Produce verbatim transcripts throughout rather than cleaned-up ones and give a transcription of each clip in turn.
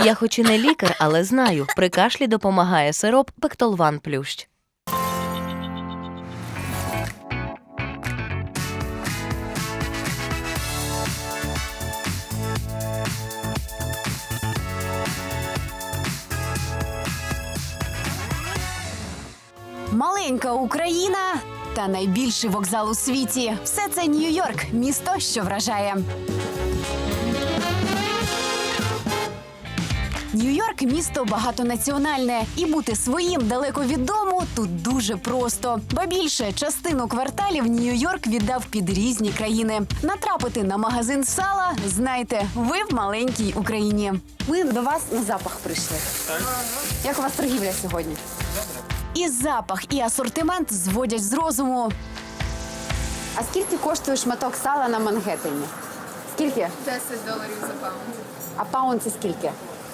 Я хоч і не лікар, але знаю, при кашлі допомагає сироп Пектолван Плющ. Маленька Україна та найбільший вокзал у світі. Все це Нью-Йорк, місто, що вражає. Нью-Йорк – місто багатонаціональне. І бути своїм далеко від дому тут дуже просто. Ба більше, частину кварталів Нью-Йорк віддав під різні країни. Натрапити на магазин сала – знайте, ви в маленькій Україні. Ми до вас на запах прийшли. Так. Як у вас торгівля сьогодні? І запах, і асортимент зводять з розуму. А скільки коштує шматок сала на Мангеттені? Скільки? десять доларів за паунд. А паунд це скільки?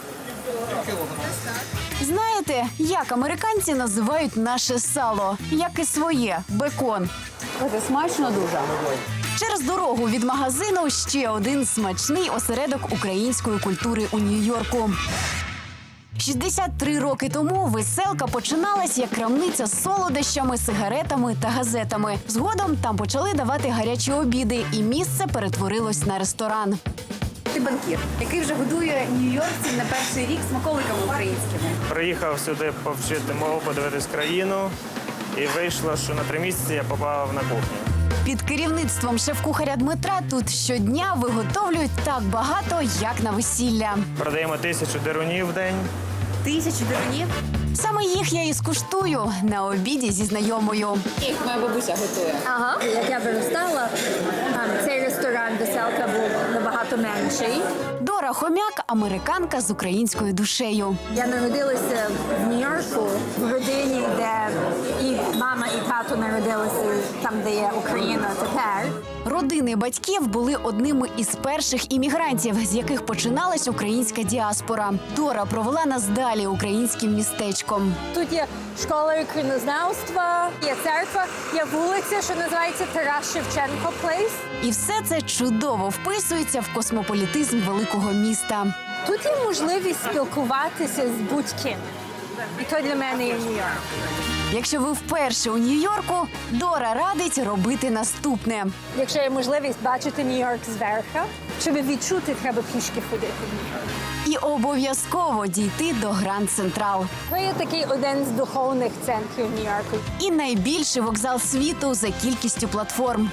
Знаєте, як американці називають наше сало? Як і своє – бекон. Це смачно дуже. Через дорогу від магазину ще один смачний осередок української культури у Нью-Йорку. шістдесят три роки тому веселка починалась як крамниця з солодощами, сигаретами та газетами. Згодом там почали давати гарячі обіди, і місце перетворилось на ресторан. Ти банкір, який вже годує нью-йоркців на перший рік смаколиками українськими. Приїхав сюди повчити мову, подивитись країну, і вийшло, що на три місяці я попав на кухню. Під керівництвом шеф-кухаря Дмитра тут щодня виготовлюють так багато, як на весілля. Продаємо тисячу дирунів в день. Тисячу дерунів? Саме їх я і скуштую на обіді зі знайомою. Їх моя бабуся готує. Ага, як я виростала, ем, цей ресторан «Веселка» був набагато менший. Дора Хомяк – американка з українською душею. Я народилася в Нью-Йорку, в родині, де і мама, і тато народилися там, де є Україна тепер. Родини батьків були одними із перших іммігрантів, з яких починалась українська діаспора. Дора провела нас далі українським містечком. Тут є школа краєзнавства, є церква, є вулиця, що називається Тарас Шевченко Плейс. І все це чудово вписується в космополітизм великого міста. Тут є можливість спілкуватися з будь-ким. І то для мене є Нью-Йорк. Якщо ви вперше у Нью-Йорку, Дора радить робити наступне. Якщо є можливість бачити Нью-Йорк зверху, щоб відчути, треба пішки ходити. І обов'язково дійти до Гранд Централ. Це є такий один з духовних центрів Нью-Йорку. І найбільший вокзал світу за кількістю платформ.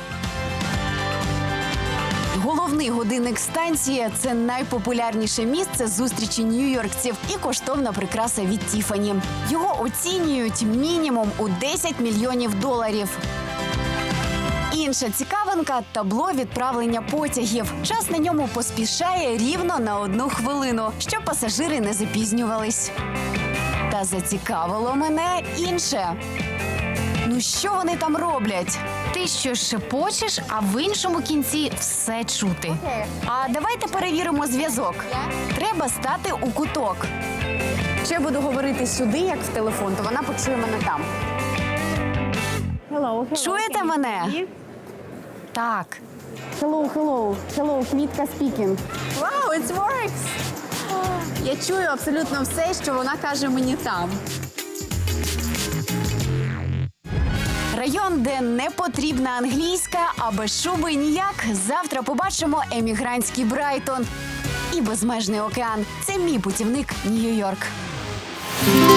Головний годинник станції – це найпопулярніше місце зустрічі нью-йоркців і коштовна прикраса від Тіфані. Його оцінюють мінімум у десять мільйонів доларів. Інша цікавинка – табло відправлення потягів. Час на ньому поспішає рівно на одну хвилину, щоб пасажири не запізнювались. Та зацікавило мене інше. Ну що вони там роблять? Ти що шепочеш, а в іншому кінці все чути. А давайте перевіримо зв'язок. Треба стати у куток. Якщо я буду говорити сюди, як в телефон, то вона почує мене там. Hello, hello. Чуєте мене? Так. Hello, hello. Hello, Квітка speaking. Wow, it works! Я чую абсолютно все, що вона каже мені там. Район, де не потрібна англійська, а без шуби ніяк. Завтра побачимо емігрантський Брайтон і безмежний океан. Це мій путівник Нью-Йорк.